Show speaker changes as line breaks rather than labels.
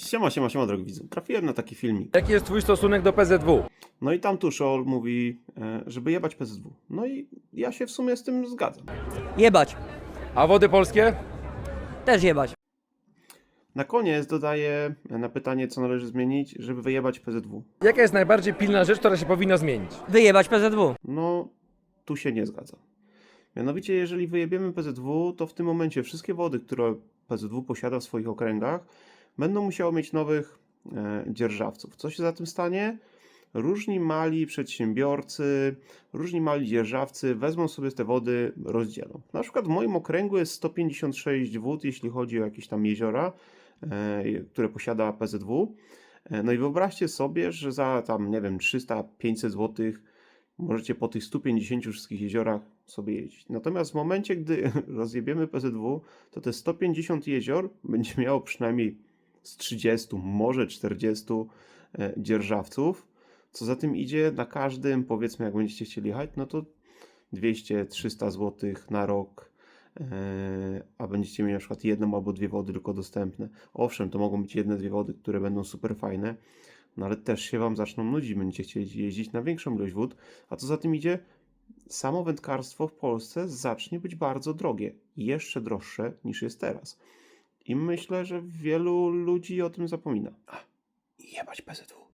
Siema, drogi widzu. Trafiłem na taki filmik.
Jaki jest twój stosunek do PZW?
No i tam Tuszol mówi, żeby jebać PZW. No i ja się w sumie z tym zgadzam.
Jebać.
A Wody Polskie?
Też jebać.
Na koniec dodaję na pytanie, co należy zmienić, żeby wyjebać PZW.
Jaka jest najbardziej pilna rzecz, która się powinna zmienić?
Wyjebać PZW.
No, tu się nie zgadzam. Mianowicie, jeżeli wyjebiemy PZW, to w tym momencie wszystkie wody, które PZW posiada w swoich okręgach, będą musiały mieć nowych dzierżawców. Co się za tym stanie? Różni mali przedsiębiorcy, różni mali dzierżawcy wezmą sobie te wody, rozdzielą. Na przykład w moim okręgu jest 156 wód, jeśli chodzi o jakieś tam jeziora, które posiada PZW. No i wyobraźcie sobie, że za tam, nie wiem, 300-500 zł możecie po tych 150 wszystkich jeziorach sobie jeździć. Natomiast w momencie, gdy rozjebiemy PZW, to te 150 jezior będzie miało przynajmniej z 30, może 40 dzierżawców. Co za tym idzie, na każdym, powiedzmy, jak będziecie chcieli jechać, no to 200-300 zł na rok, a będziecie mieli na przykład jedną albo dwie wody tylko dostępne. Owszem, to mogą być jedne, dwie wody, które będą super fajne, no ale też się Wam zaczną nudzić, będziecie chcieli jeździć na większą ilość wód, a co za tym idzie, samo wędkarstwo w Polsce zacznie być bardzo drogie, jeszcze droższe niż jest teraz. I myślę, że wielu ludzi o tym zapomina. Jebać PZW.